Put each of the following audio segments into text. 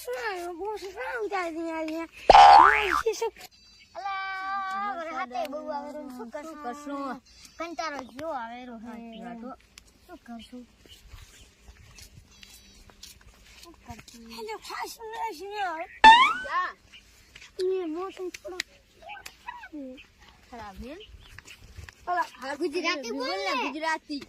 सुना वो सुना उतार दिया ये ये सब અલા વરે હાથે બહુ આવેરો શું કરશું કંટાળો જો આવેરો હે તો શું કરશું हेलो फास्ट नहीं सुना क्या ये मौसम थोड़ा खराब है अला हाँ गुजराती बोल ना गुजराती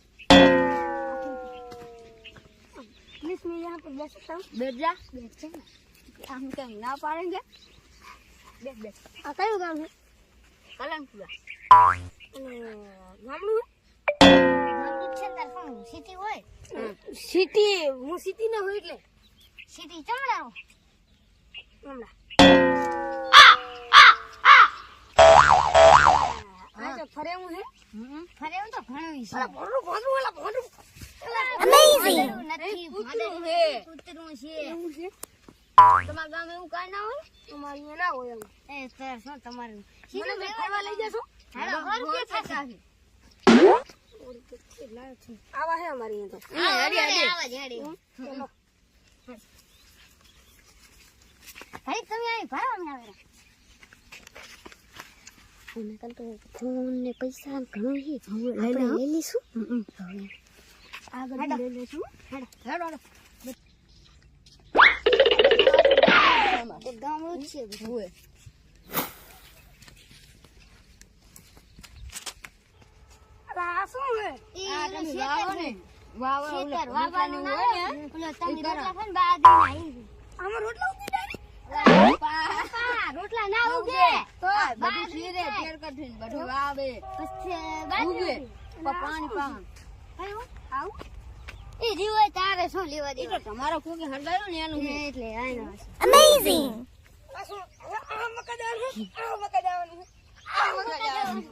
प्लीज मैं यहाँ पे बैठ सकता हूँ बैठ जा हम कहीं ना पाएंगे बैठ बैठ कયું ગામ છે કલંકપુરા ગામડું ગામડું છે તાર શું સિટી હોય સિટી હું સિટી ના હોય એટલે સિટી ચમડારો હમણાં હા તો ફરે હું છે ફરે હું તો ઘણું છે અલા ભોંડું અલા ભોંડું અમેઝિંગ નથી કૂતરું છે છે. કૂતરું છે એવું છે તમારા ગામ એવું કાઈ ના હોય અમારે અહીંયા ના હોય એમ એ સર શું તમારું મને બે ફરવા લઈ જશો હેલો કોણ કે થશે આવા હે અમારે અહીંયા તો હા હેડી હેડી આવાજ હેડી ચલો ભાઈ તમે અહીં ભરવા ના આવેલા અને કાલ તો ફોન ને પૈસા ઘણું હી આપણે લઈ લઈશું આગળ લઈ લઈશું હેડો હેડો ગામડું જ છે બધું આ શું હે આ તમે વાવો ને વાવો ખેતર વાવવાનું વાવવાનું હોય હોય ને ઓલો તમે રોટલા ખાને બાદ આવી આમાં રોટલા ઉગી જાય રોટલા ના ઉગે બધું શીરે તેર કઠીન બધું વાવે પછી ઉગે બાદ પાણી પાણ આવું એ જીવે તારે શું લેવા એ તો દેવા તમારો કોકે હરગાયો ને એનું છે એટલે આનો અમેઝિંગ આ મકાદાર છે આ મકાદાવાની છે આ મકાદાવાની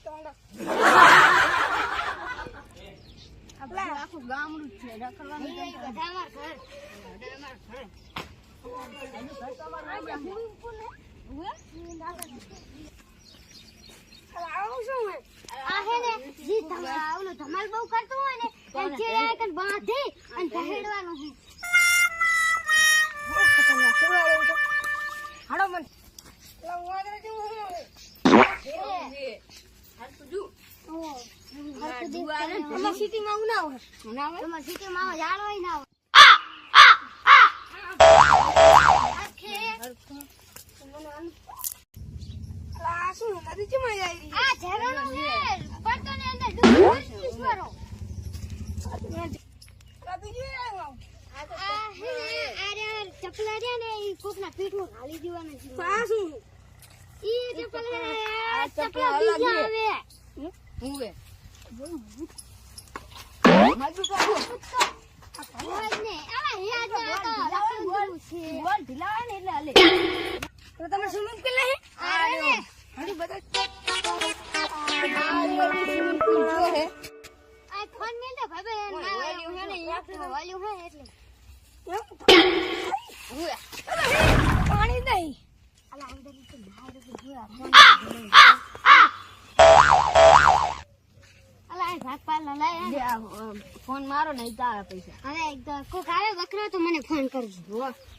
આપલા આખું ગામડું છે રખડવાનું બધા અમાર ઘર આ હે ને જી તમારા ઓલો ધમાલ બહુ કરતું હોય ને એ ચેડે આકન બાંધી અને પહેડવાનું છે હાડો મન વાદરા જેવું અમાર સિટીમાં હું ના હોય તમાર સિટીમાં આવો જાણો હોય ના આ શું નદી ચમાં જાય આ ઝરણું છે પડતો ને અંદર ડૂબો ઈશ્વરો આ બીજું આવ્યો આ હે ને આરે ચપલા રહ્યા ને ઈ કોકના પીઠમાં ઘાલી દેવાના છે આ શું ઈ ચપલ હે આ ચપલા ચપલા અલગ બીજા છે. આવે મજબૂત કરો હોય જ ને આવા યાદ ના તો લખવાનું છે બોલ ઢીલા ને એટલે હાલે તો તમે સ્વિમિંગ પૂલ નહીં આ ને હડી બધા આ ફોન મેલ દે ભાઈ વોલ્યુમ હે ને વોલ્યુમ હે એટલે પાણી નહીં અલા અંદર તો બહાર તો જોયા અલા આ ભાગ પાલ ના લાય ફોન મારો નહીં તારા પૈસા હવે એક કોક આવે બકરો તો મને ફોન કરજો